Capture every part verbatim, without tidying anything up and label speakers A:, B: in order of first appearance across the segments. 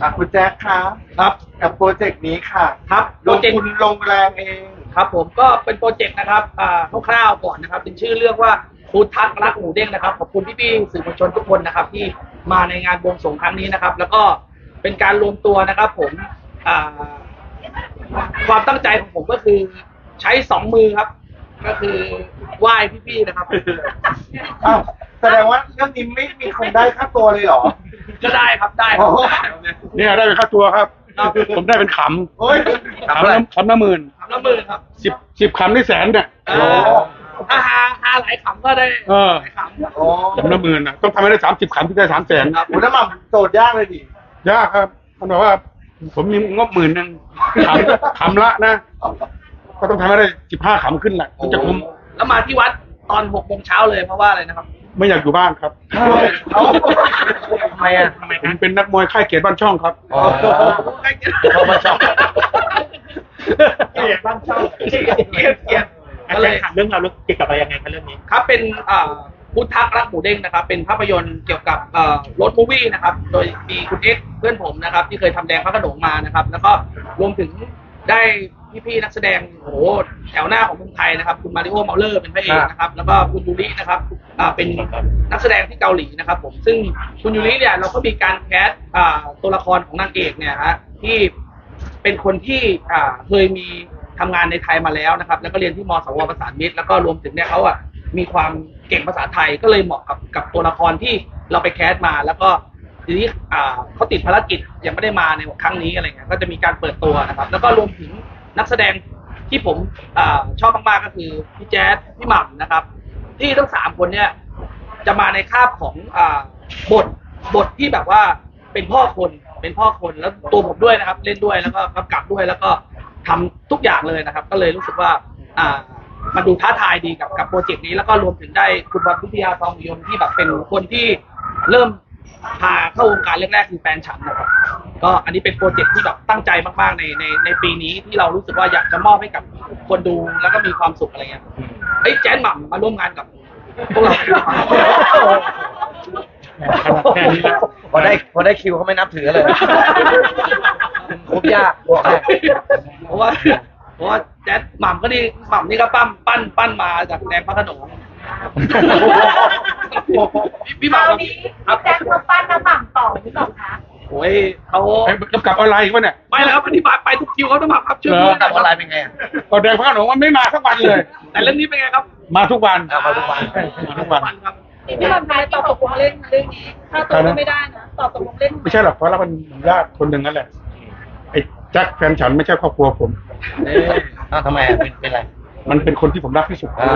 A: อ่ะคุณแจ๊คครับครับกับโปรเจกต์นี้ค่ะ
B: ครับโป
A: ล
B: รง เจกต์
A: ทุนลงแรงเอง
B: ครับผมก็เป็นโปรเจกต์นะครับอ่าคร่าวๆก่อนนะครับเป็นชื่อเรื่องว่าฟู้ดทักรักหมูเด้งนะครับขอบคุณพี่ๆสื่อมวลชนทุกคนนะครับที่มาในงานบวงสรวงครั้งนี้นะครับ แล้วก็เป็นการรวมตัวนะครับผมอ่าความตั้งใจของผมก็คือใช้สองมือครับ ก็คือไหว้พี่ๆนะครับ
A: อ้าวแสดงว่าเรื่องนี้ไม่มีคนได้ค่าตัวเลยเหรอ
B: ก็ได้ครับได้ครับ
A: โอ้
C: เนี่ยได้เป็นค่าตัวครับ
B: ครับ
C: ผมได้เป็นข
A: โอ้ย
C: ำขำละขำละหมื่น
B: ขำละหมื่นครับ
C: สิบสิบขำได้แสนเนี่ย
B: อ่าถ้าหาหาหลายขำก็ได้
C: เออ
B: หลายขำ
A: โอ้
C: ขำละหมื่นอ่ะต้องทำให้ได้สามสิบขำที่ได้สามแสน
A: โหน้ำมันโจทย์ยากเลยดิ
C: ยากครับมันบอกว่า ผมมีงบหมื่นหนึ่งขำขำละนะ ก็ต้องทำให้ได้สิบห้าขำขึ้นแหละถึงจะคุ้ม
B: แล้วมาที่วัดตอนหกโมงเช้าเลยเพราะว่าอะไรนะครับ
C: ไม่อยากอยู่บ้านครับ
A: เอา
D: ทำไมอ่ะ
B: ทำไม
C: ผมเป็นนักมวยค่ายเกียรติบ้านช่องครับ
D: อ๋อ
B: เข้ามาชอบเกลียดบ้านชอบเกลียดเกลียดเกลียด
D: อาจารย์ถามเรื่องราวเกี่ยวกับอะไรยังไงคะเรื่องนี้
B: ครับเป็นอ่าพุทธักรักหมูเด้งนะครับเป็นภาพยนตร์เกี่ยวกับเอ่อรถมูวี่นะครับโดยมีคุณเอ็กซ์เพื่อนผมนะครับที่เคยทำแดงพระโขนงมานะครับแล้วก็รวมถึงได้พี่ๆนักแสดงโอ้โหแถวหน้าของเมืองไทยนะครับคุณมาริโอเมาเลอร์เป็นพระเอกนะครับแล้วก็คุณยูรินะครับอ่าเป็นนักแสดงที่เกาหลีนะครับผมซึ่งคุณยูริเนี่ยเราก็มีการแคสอ่าตัวละครของนางเอกเนี่ยฮะที่เป็นคนที่อ่าเคยมีทำงานในไทยมาแล้วนะครับแล้วก็เรียนที่มสวประสานมิตรแล้วก็รวมถึงเนี่ยเขาอ่ะมีความเก่งภาษาไทยก็เลยเหมาะกับกับตัวละครที่เราไปแคสมาแล้วก็ทีนี้อ่าเขาติดภารกิจยังไม่ได้มาในครั้งนี้อะไรเงี้ยก็จะมีการเปิดตัวนะครับแล้วก็รวมถึงนักแสดงที่ผมอาชอบมากๆก็คือพี่แจ๊ดพี่หม่ำนะครับที่ทั้งสามคนเนี่ยจะมาในคาบของอ่าบทบทที่แบบว่าเป็นพ่อคนเป็นพ่อคนแล้วตัวผมด้วยนะครับ เล่นด้วยแล้วก็กำกับด้วยแล้วก็ทำทุกอย่างเลยนะครับ ก็เลยรู้สึกว่าอ่ามันดูท้าทายดีกับกับโปรเจกต์นี้แล้วก็รวมถึงได้คุณบอลพิทยาทองยนต์ที่แบบเป็นคนที่เริ่มพาเข้าวงการแรกๆคือแฟนฉันนะครับก็อันนี้เป็นโปรเจกต์ที่แบบตั้งใจมากๆในในในปีนี้ที่เรารู้สึกว่าอยากจะมอบให้กับคนดูแล้วก็มีความสุขอะไรเงี้ยเอ้ยแจ๊นหม่ำมาร่วมงานกับพวกเรา
C: แค่นี้นะ
D: พอได้พอได้คิวเขาไม่นับถือเลยคุบยากบอกให้
B: เพราะว่าเพราะว่าแจ๊ดหม่ำก็นี่หม่ำนี่ก็ปั้มปั้นปั้นมาจากแดงพระโขนงพี่หม่ำ
E: ค
B: ค
E: รา
B: รั
E: ว
B: บ
E: นี้แจ็คเขาปั้นน้ำหม่ำต่อหรือเปล่าคะ
B: โอ้ยเขา
C: ไอ้กำกับออนไลน์อีกวะเนี่ย
B: ไปแล้วครับอธิบายไปทุกคิวเขาต้องหม่ำครับช่วย
C: เหร
B: พู
C: อ
B: ด
D: กับออนไลน์เป็นไงอ่ะ
C: ก็แดงพระโขนงมันไม่มาสักวันเลย
B: แต่เรื่องนี้เป็นไงครับ
C: มาทุกวัน
D: เอามาทุกวัน
C: มาทุกวัน
B: วันครับ
E: พี่ลำนายตอบตกลงเล่นเรื่องนี้ ถ้าตกลงไม่ได้นะตอบตกลงเล่น
C: ไม่ใช่หรอกเพราะเราเป็นญาติคนหนึ่งนั่นแหละไอ้แจ็คแฟนฉันไม่ใช่ครอบครัวผม
D: เอ๊ะอ้าวทำไมอ่ะเป็นเป็นไร
C: มันเป็นคนที่ผมรักที่สุด
D: อ้าว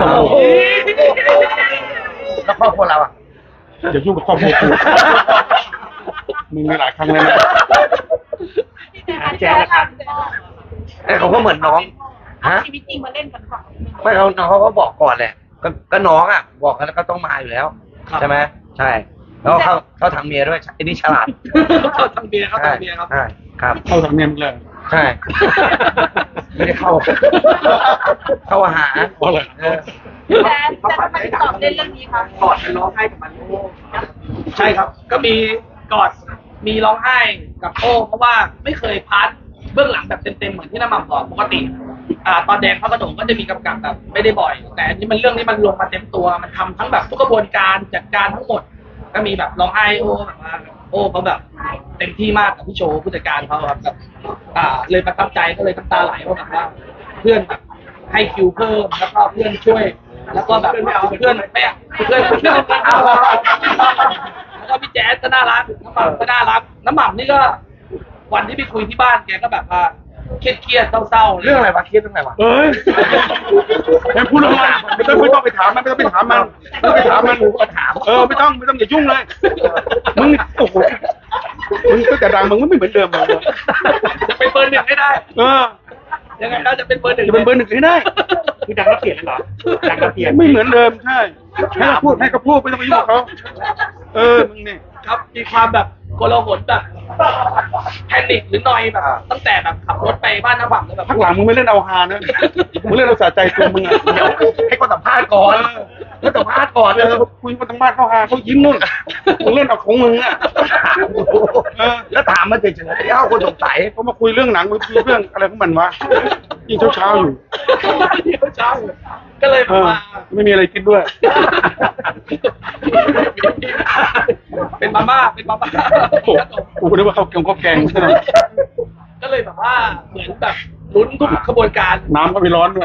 D: แล้วครอบครัวเราอ่ะ
C: อย่ายุ่งกับครอบครัวกูมึงมีหลายครั้งแล้วนะ
E: แจ๊คครับ
D: เอ้ยเขาก็เหมือนน้องฮะ
E: ชีวิตจริงมาเล่นกันก่อน
D: ไม่เขาน้องเขาก็บอกก่อนแหละก็ก็น้องอ่ะ บอกกันแล้วก็ต้องมาอยู่แล้ว ใช่ไหมใช่ แล้วเขาเขาทางเมียด้วยไอ้นี่ฉลาด
B: เขาทำเบียร์เขาทำเบียร์ครับ
D: ใช่ครับ
C: เข้าทางเนียมเลย
D: ใช่ ไม่ได้เข้า เข้าหา
C: เพราะอะไร
D: เออ
E: แจ๊คแจ๊คทำไมตอบเล่นเรื่องนี้คะ
B: กอดกันร้องไห้กับมันโอ้ใช่ครับ ก็มีกอดมีร้องไห้กับโอ้เพราะว่าไม่เคยพาร์ทเบื้องหลังแบบเต็มๆเหมือนที่น้ำหม่ำบอกปกติอ่าตอนแดงพระโขนงก็จะมีกำกับแบบไม่ได้บ่อย แต่อันนี้มันเรื่องนี้มันลงมาเต็มตัวมันทำทั้งแบบทุกกระบวนการจัดการทั้งหมด ก็มีแบบร้องไห้โอ้แบบว่าโอ้เขาแบบเต็มที่มากกับพี่โชว์ผู้จัดการเขาครับแบบอ่าเลยประทับใจก็เลยน้ำตาไหลว่าแบบว่าเพื่อนแบบให้คิวเพิ่มแล้วก็เพื่อนช่วย แล้วก็แบบไม่เอาเพื่อนไม่เอาเพื่อนเพื่อนไม่เอาแล้วก็พี่แจ๊สก็น่ารักน้ำหม่ำก็น่ารักน้ำหม่ำนี่ก็วันที่ไปคุยที่บ้านแกก็แบบว่าเครียดๆเศร้าๆ
D: เรื่องอะไรวะเครียดเรื่องอะไรวะ
C: เอ้ยแค่พูดเรื่องมันไม่ต้องไม่ต้องไปถามมันไม่ต้องไปถามมันไม่ต้องไปถามมันเออไม่ต้องไม่ต้องอย่ายุ่งเลยมึงโอ้โหมึงก็จะดังมึงไม่เหมือนเดิมเลย
B: จะเป็นเบอร์หนึ่งให้ได้
C: เออ
B: ยังไงเราจะเป็นเบอร์หนึ่ง
C: จะเป็นเบอร์หนึ่งให้ได้
D: คือดังแล้วเปลี่ยนเลยเหรอดังแล้วเปลี่ยน
C: ไม่เหมือนเดิมใช่ให้เขาพูดให้เขาพูดไม่ต้องไปยุ่งกับเขาเออมึงนี่
B: ครับมีความแบบกลาหลแบบแพนิคหรือนอยแบบตั้งแต่แบบขับรถไปบ้านน้าบังแล้วแบบ
C: พักหลังมึงไม่เล่นเอาฮานะมึงเล่นเอาสะใจตัวมึงอ่ะ
D: เดี๋ยวให้คนสัมภาษณ์ก่อนให้สัมภาษณ์ก่อน
C: เออคุยมาทางบ้านเขาฮาเขายิ้มนู่นมึงเล่นเอาของมึงอ่ะเออ
D: แล้วถามมาเฉยๆเอ้าคนสงสัย
C: เขามาคุยเรื่องหนังคุยเรื่องอะไรของมันวะยิ่งเช้าๆอยู่
B: เช้าก็เลย
C: เออ
B: มา
C: ไม่มีอะไรกินด้วย
B: เป็นมาม่าเป็นมาม่า
C: โอ้กูนึกว่าเขาแกงเขาแกงซะหน่อย
B: ก็เลยแบบว่าเหมือนแบบลุ้นทุกขบวนการ
C: น้ำก็ไม่ร้อนด้วย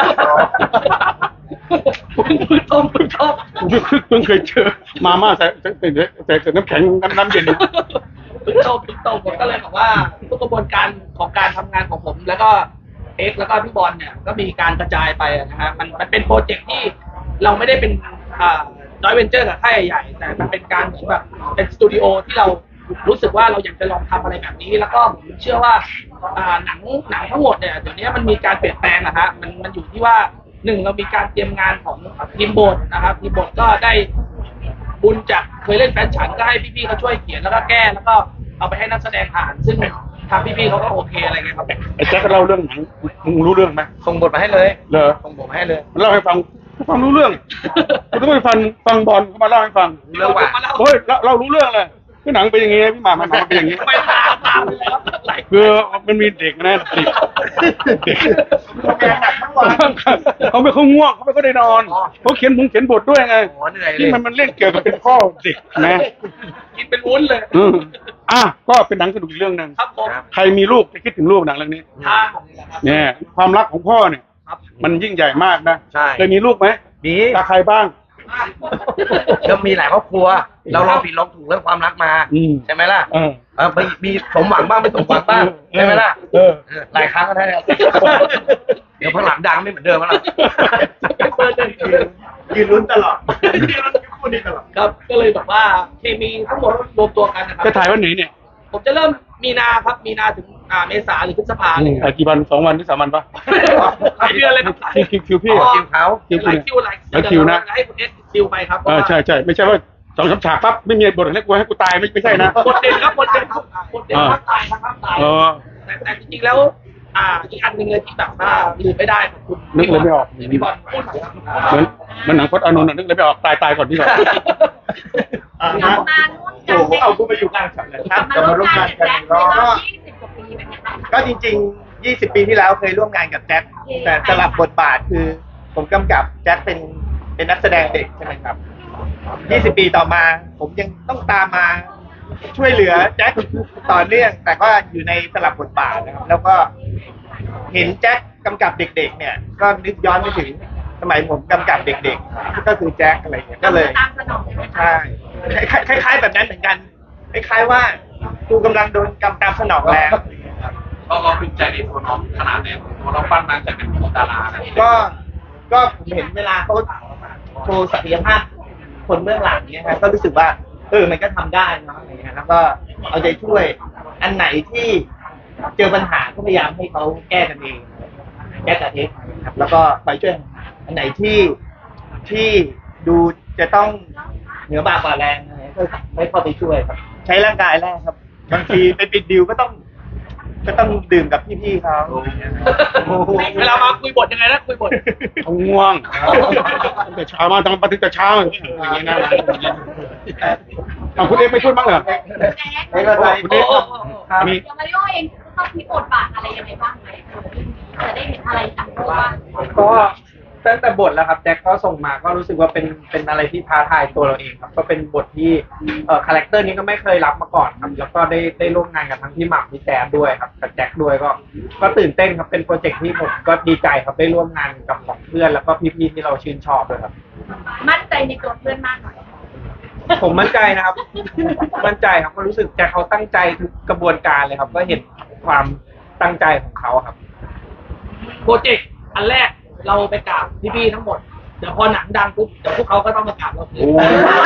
B: พึ่งต้มพึ่งต้ม
C: กูเพิ่งเคยเจอมาม่าใส่ใส่ใส่ใส่น้ำแข็งน้ำเย็น
B: พึ่งต้มพึ่งต้มผมก็เลยบอกว่าทุกกระบวนการของการทำงานของผม แล้วก็เอ็กซ์แล้วก็พี่บอลเนี่ยก็มีการกระจายไปนะฮะมันมันเป็นโปรเจกต์ที่เราไม่ได้เป็นอ่าจอยเวนเจอร์กับค่ายใหญ่ๆแต่มันเป็นการเหมือนแบบเป็นสตูดิโอที่เรารู้สึกว่าเราอยากจะลองทำอะไรแบบนี้ แล้วก็ผมเชื่อว่าอ่าหนังหนังทั้งหมดเนี่ยเดี๋ยวนี้มันมีการเปลี่ยนแปลงนะฮะมันมันอยู่ที่ว่าหนึ่งเรามีการเตรียมงานของทีมบทนะครับทีมบทก็ได้บุญจากเคยเล่นแฟนฉันก็ให้พี่ๆเขาช่วยเขียนแล้วก็แก้แล้วก็เอาไปให้นักแสดงอ่านซึ่งทางพี่ๆเขาก็โอเคอะไรเงี้ยครับ
C: ไอ้แจ็คก็เล่าเรื่องหนังมึงรู้เรื่องไหม
D: ส่งบทมาให้เลย
C: เหรอ
D: ส่งบทมาให้เลย
C: มันเล่าให้ฟังฟังรู้เรื่องกูต้องไปฟังฟังบอลเขามาเล่าให้ฟัง
D: เรื่องว่า
C: เฮ้ยเราเรารู้เรื่องเลยคือหนังเป็นอย่างงี้พี่หมามันหนังเป็นอย่างงี้
B: ไม่ตามตามไปแล้วหลาย
C: คือมันมีเด็กนะเด็กเด็ก
A: ทำงานหนักทั้งวัน
C: เขาไม่เขาง่วงเขาไม่เขาได้นอนเขาเขียนมุงเขียนบทด้วยไง
D: โอ้เหนื่อยเล
C: ที่
D: ย
C: มันมันเล่นเกี่ยวกับเป็นพ่อเด็กนะ
B: กินเป็นวุ้นเลย
C: อืมอ่ะก็เป็นหนังสนุกอีกเรื่องหนึ่ง
B: ครับผม
C: ใครมีลูกจะคิดถึงลูกหนังเรื่องนี้
B: ทางนี่แหละครับ
C: เนี่ยความรักของพ่อเนี่ย
B: ครับ
C: มันยิ่งใหญ่มากนะ
D: ใช่
C: เคยมีลูกไหม
D: มี
C: ตาใครบ้าง
D: ก็มีหลายครอบครัว เราลองผิดลองถูกเรื่องความรักมา
C: อืม
D: ใช่ไหมล่ะ
C: เออ
D: เออมีมีสมหวังบ้างไม่สมหวังบ้างใช่ไหมล่ะ
C: เออ
D: เออหลายครั้งก็ได้แล้วเดี๋ยวพอหลังดังไม่เหมือนเดิมแล้วล่ะ
B: เป็นเบอร์หนึ่ง
A: ยืนลุ้นตลอดยืนลุ้นคู่นี้ตลอด
B: ครับก็เลยแบบว่าเคมีทั้งหมดรวมตัวกันนะครั
C: จะถ่ายวันไหนเนี่ย
B: ผมจะเริ่มมีนาครับมีนาถึงอ่าเมษาหรือพฤษภาเลย
C: ถ่ายกี่วันสองวันหรือสามวันปะ
B: หลายเดือนเลยครับ
C: คิวคิวคิวพี่
D: อ๋อคิวเขา
C: คิว
B: หลายคิวหลาย
C: หลายคิวนะ
B: ให้คุณเอสคิวไปครับเพ
C: เอ
B: ราะ
C: อ
B: ว่า
C: ใช่ใช่ไม่ใช่ว่าสองสามฉากปั๊บไม่มีบทให้กูให้กูตายไม่ไม่ใช่นะ
B: บทเด่นครับบทเด่นครับบทเด่นภาคตายครับภาคตาย
C: เออ
B: แต่แต่จริงๆแล้ว อ่าอีกอันหนึ่งเลยที่แบบว่าลืมไม่ได้ของคุณ
C: นึกเลยไม่ออก
B: พี่บอลพูดหน่อยครับ
C: เหมือนเหมันหนังพจน์อานนท์อะนึกเลยไม่ออกตายตายก่อนที่ก่อน
A: อ่ะ
E: กลั
A: นะ
E: บมาร่วมกัน
A: โอ้โหเอากูไปอยู่กลางฉันเลยครับ
E: มา
A: จะ
E: ร่ว
A: มาม ร่วมาน น
E: งางกั
A: กัน น
E: แจ็คใน
A: ก็
E: รอบยี่สิบกว่าปีเป็นไงบ้างคะ
A: ก็จริงๆ ยี่สิบ ปีที่แล้วเคยร่วมงานกับแจ็ค แต่สลับบทบาทคือผมกำกับแจ็คเป็นเป็นนักแสดงเด็กใช่ไหมครับ ยี่สิบ ปีต่อมา ผมยังต้องตามมาช่วยเหลือแจ็คต่อเนื่อง แต่ก็อยู่ในสลับบทบาทนะครับ แล้วก็เห็นแจ็คกำกับเด็ก ๆ เนี่ย ก็นึกย้อนไปถึงสมัยผมกำกับเด็ก ๆ ก็คือแจ็คอะไรเงี้ยก็เลย
E: ตามสนองใช่ไหมคะ
A: ใช่คล้ายๆแบบนั้นเหมือนกันคล้ายๆว่ากูกำลังโดนกำตามสนองแล้ว
B: เราเราภูมิใจในตัวน้องขนาดไหนตัวเราปั้นมาจากเป็นดารานะ
A: ก็ก็ผมเห็นเวลาเขาโชว์ศักยภาพคนเบื้องหลังเนี้ยครับก็รู้สึกว่าเออมันก็ทำได้เนาะอะไรเงี้ยแล้วก็เอาใจช่วยอันไหนที่เจอปัญหาก็พยายามให้เขาแก้กันเองแก้กันเองครับแล้วก็ไปช่วยอันไหนที่ที่ดูจะต้องเหนือบากกว่าแรงอะไรก็ไม่เข้าไปช่วยครับ ใช้ร่างกายแรกครับบางทีไปปิดดิวก็ต้อง ก็ต้องดื่มกับพี่ๆเขา
B: เวลามาคุยบทยังไงนะคุยบท
C: เขาง่วงแต่เช้ามาทำปฏิแต่เช้าอย่างเงี้ยนะเอาคุณเอ็กไม่พูดบ้างเหรอ
A: ไม่เป็นไร
C: คุณเอ็กมี
E: เดี๋ยวมาริโอเองต้องมีบทบาทอะไรยังไงบ้างไหมจะได้เห็นอะไรจากตัวบ้าง
F: ก็ตั้งแต่บทแล้วครับแจ็คก็ส่งมาก็รู้สึกว่าเป็นเป็นอะไรที่ท้าทายตัวเราเองครับก็เป็นบทที่เอ่อคาแรคเตอร์นี้ก็ไม่เคยรับมาก่อนครับแล้วก็ได้ได้ร่วมงานกับทั้งพี่หม่ำพี่แจ๊ดด้วยครับกับแจ็คด้วยก็ก็ตื่นเต้นครับเป็นโปรเจกต์ที่ผมก็ดีใจครับได้ร่วมงานกับของเพื่อนแล้วก็พี่ๆที่เราชื่นชอบด้วยครับ
E: มั่นใจในตัวเพื่อนมากหน่อย
F: ผมมั่นใจนะครับ มั่นใจครับก็รู้สึกแจ็คเขาตั้งใจทุกกระบวนการเลยครับ ก็เห็นความตั้งใจของเขาครับ
B: โปรเจกต์อันแรกเราไปกราบพี่ๆทั้งหมดเดี๋ยวพอหนังดังปุ๊บเดี๋ยวพวกเขาก็ต้องมากราบเราคืน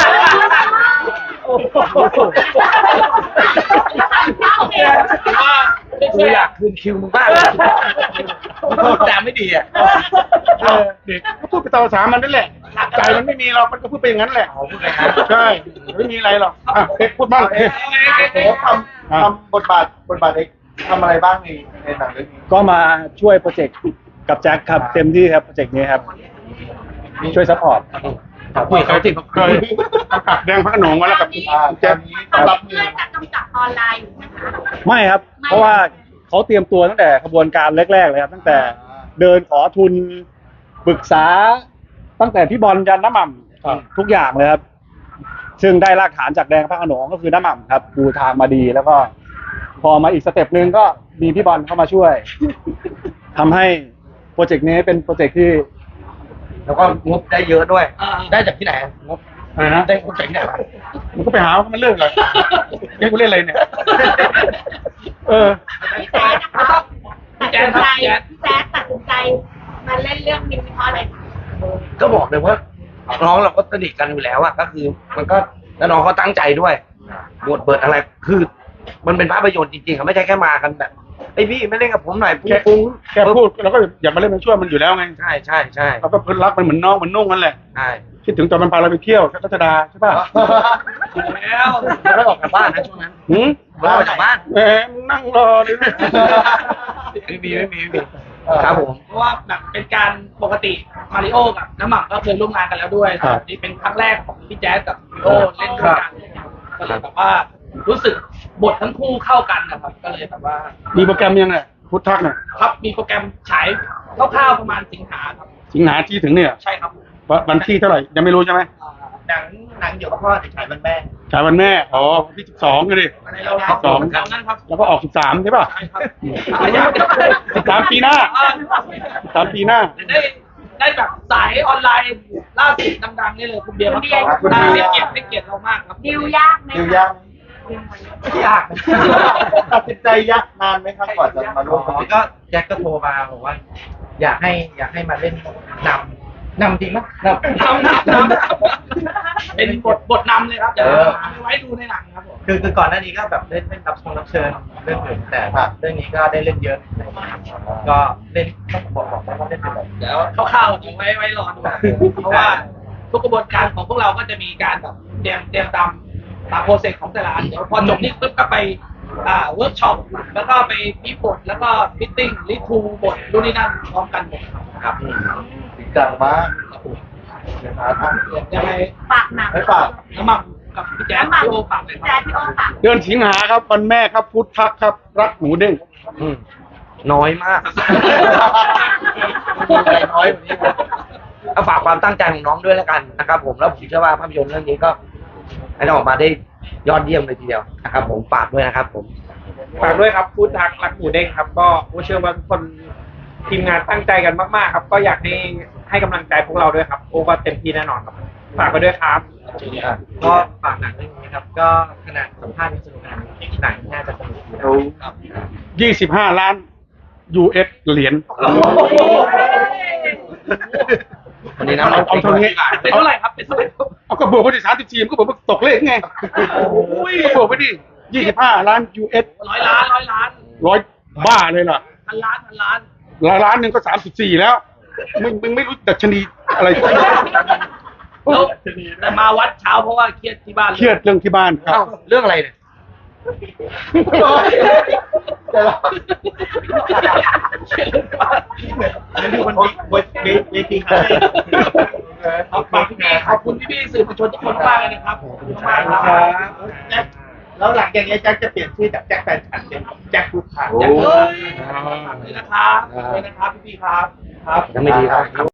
E: โอเค
B: ว่าไม่
D: กู
B: ใช่
D: อยากคืนคิวมึงบ้างพูดแต่ไม่ดีอ่ะ
C: เออเด็กก็พูดไปตามภาษามันนั่นแหละ
B: รักกั
C: ใจมันไม่มีหรอกมันก็พูดไปอย่างนั้นแหละ
D: อ๋อพูดไปงั้น
C: ใช่ไม่มีอะไรหรอกอ่ะเอ็กซ์พูดบ้างเอ็กซ์
A: โอ้ทำทำบทบาทบทบาทเอกทำอะไรบ้างในในหนังเรื่องนี้
G: ก็มาช่วยโปรเจกต์กับแจ็คครับเต็มที่ครับโปรเจกต์นี้ครับช่วยซัพพอร์ต
D: คุยกับเขาสิ
C: เคยกำกับแดงพระโขนงมาแล้วกับ
A: อ่าต
C: แจ็
A: อ
C: คน
A: นี้ต้องรับมื
E: เพื่
A: อ
E: อจะกำจัดออนไลน์อยู่นะคะ
G: ไม่ครับ
E: ไม่
G: เพราะว่าเขาเตรียมตัวตั้งแต่ขบวนการแรกๆเลยครับตั้งแต่เดินขอทุนปรึกษา ตั้งแต่พี่บอลยันน้ำหม่ำทุกอย่างเลยครับ ซึ่งได้รากฐานจากแดงพระโขนงก็คือน้ำหม่ำครับปูทางมาดีแล้วก็ พอมาอีกสเต็ปหนึ่งก็มีพี่บอลเข้ามาช่วยทำให้โปรเจกต์นี้เป็นโปรเจกต์ที่
D: แล้วก็งบได้เยอะด้วย
B: อ่า
D: ได้จากที่ไหนงบ
C: อะไรนะ
D: ได้งบจากที่ไหนวะ
C: มันก็ไปหาว่ามันเลิกเลยเล่นกูเล่นอะไรเนี่ยเออ
E: พี่แจ๊ดนะคะตัดสินใจพี่แจ๊ดตัดสินใจมาเล่นเรื่องนี้เพราะอะไรคะ
D: ก็บอกเลยว่าน้องเราก็สนิทกันอยู่แล้วอะก็คือ มันก็แล้วน้องเขาตั้งใจด้วยบทเปิดอะไรคือ มันเป็นภาพยนตร์จริงๆครับไม่ใช่แค่มากันแบบไอ้พี่ไม่เล่นกับผมหน่อยปุ้งปุ้ง
C: แค่พูดเราก็อยากมาเล่นมันช่วยมันอยู่แล้วไง
D: ใช่ใช่ใช่
C: เราก็รักมันเหมือนน้องเหมือนนุ่งนั่นแหละ
D: ใช่
C: คิดถึงตอนมันพาเราไปเที่ยวชัชดาใช่ป่ะ
B: แล้ว
D: ไม่ได้ออกจากบ้านนะช่วงนั้น
C: หืม
D: ไม่ได้ออกจากบ้าน
C: แหมมึงนั่งรอเลยนะ
D: ไม่มีไม่มีไม่มีครับผม
B: เพราะว่าแบบเป็นการปกติมาริโอกับน้ำหม่ำก็เคยร่วมงานกันแล้วด้วยนี่เป็นครั้งแรกของพี่แจ๊สกับมาริโอเล่นด้วยกันก็เลยแบบว่ารู้สึกบททั้งคู่เข้ากันนะครับ ก็เลยแบบว่า
C: มีโปรแกรมยังไงพุทธักเนี่ย
B: ครับมีโปรแกรมฉายคร่าวๆประมาณสิงหาครับ
C: สิงหาที่ถึงเนี่ย
B: ใช่ครับ
C: วันวันที่เท่าไหร่ยังไม่รู้ใช่ไหม
B: อ่า
A: หนังหนังอยู่กับพ่อแต่ฉายวันแม่
C: ฉายวันแม่อ๋อวันที่สิบสองกันดิ
B: ในเราเรา
C: สอง
B: แถวนั้นครับ
C: แล้วก็ออกสิบสามใช่ป่ะ
B: ใช่ครับระยะ
C: สิบสามปีหน้าสิบสามปีหน้า
B: ได้ได้แบบสายออนไลน์ล่าสุดดังๆนี่เลยคุณเบียร์ครับได้ให้เกียรติให้เกียรติเรามากครับ
E: ดิวยากไหม
A: ดิว
E: คะ
A: ยากยากตัดสินใจยากนานไหมครับก่อนจะมาร่วม
F: อ๋อก็แจ็คก็โทรมาบอกว่า อยากให้อยากให้มาเล่นนำนำจริงไหมนำ
B: นำนำนำเป็นบทบทนำเลยครับเดี๋ยวเอาไว้ดูในหนังครับผม
F: คือคือก่อนหน้านี้ก็แบบเล่นเล่นรับชงรับเชิญเรื่องอื่นแต่เรื่องนี้ก็ได้เล่นเยอะก็เล่นต้องบอกบอกได้ว่าเล่นเป็นแบบ
B: เดี๋ยวคร่าวๆเดี๋ยวไว้ไว้รอดูเพราะว่าทุกกระบวนการของพวกเราก็จะมีการแบบเตรียมเตรียมตามตามโปรเซสของแต่ละอันเดี๋ยวพอจบนี่ปุ๊บก็ไปอ่าเวิร์กช็อปแล้วก็ไปพิบทแล้วก็ฟิตติ้งรีทูบทรุ่นนี้นั่นพร้อมกันหมดครับ
A: จริงจังมากนะครับอ่ะ
B: ยังไง
E: ปากหนัง
A: ไม่ฝาก
B: น้ำหมักกับพี่แจ๊ส
E: น้ำหมัก
B: พี่โอฝากเลย
E: พี่
B: ค
E: แจ๊
B: รั
E: ด
B: บ
E: พี่โอฝาก
C: เดือนสิงหาครับวันแม่ครับพุทธักครับ รักหมูเด้ง
D: อืมน้อยมาก น้อยกว่านี้ก็ฝากความตั้งใจของน้องด้วยแล้วกันนะครับผมแล้วผมเชื่อว่าภาพยนตร์เรื่องนี้ก็ให้ออกมาได้ยอดเยี่ยมเลยทีเดียวนะครับผมฝากด้วยนะครับผม
F: ฝากด้วยครับพูดทักรักหมูเด้งครับ ก็ผมเชื่อว่าทุกคนทีมงานตั้งใจกันมากๆครับ ก็อยากให้ให้กำลังใจพวกเราด้วยครับโอ้ก็เต็มที่แน่นอนครับฝากไปด้วยครับ ก็ฝากหนังเรื่องนี้ครับ ก็ขนาดสัมภาษณ์ยังสนุกขนาดนี้หนังน่าจะสนุกครับ
C: ยี่สิบห้าล้าน ยู เอส เหรียญ
D: วันนี้นะ
C: เอาเอาเท่านี้
B: เป็นเท่าไหร่ครับเป็นเท่าไหร่ครับ
C: เอาก็บวกไปดิสามสิบสี่มันก็บอกว่าตกเลขไงก็บวกไปดิยี่สิบห้าล้าน ยู เอส
B: ร้อยล้านร้อยล้าน
C: ร้อยบ้าเลยล่ะ
B: พันล้านพันล้าน
C: ล้านล้านหนึ่งก็สามสิบสี่แล้วมึงมึงไม่รู้ดัชนีอะไร
B: แล้วแต่มาวัดเช้าเพราะว่าเครียดที่บ้าน
C: เครียดเรื่องที่บ้านครั
D: เอ้า
C: บ
D: เรื่องอะไรเนี่ย
A: เดี๋ยวเราอันนี้ดูมันเวทีเวทีครับ
B: ขอบคุณพี่ขอบคุณพี่ๆสื่อมวลชนทุกคนมากเลยนะครับขอบคุณมากครับ
A: แจ็คแล้วหลังจากนี้แจ็คจะเปลี่ยนชื่อจากแจ็คแฟนฉันเป็นแจ็คพุทธัก
B: แจ็คเลยนะครับเลยนะครับพี่ๆครับครับ
D: ยังไม่ดีครับ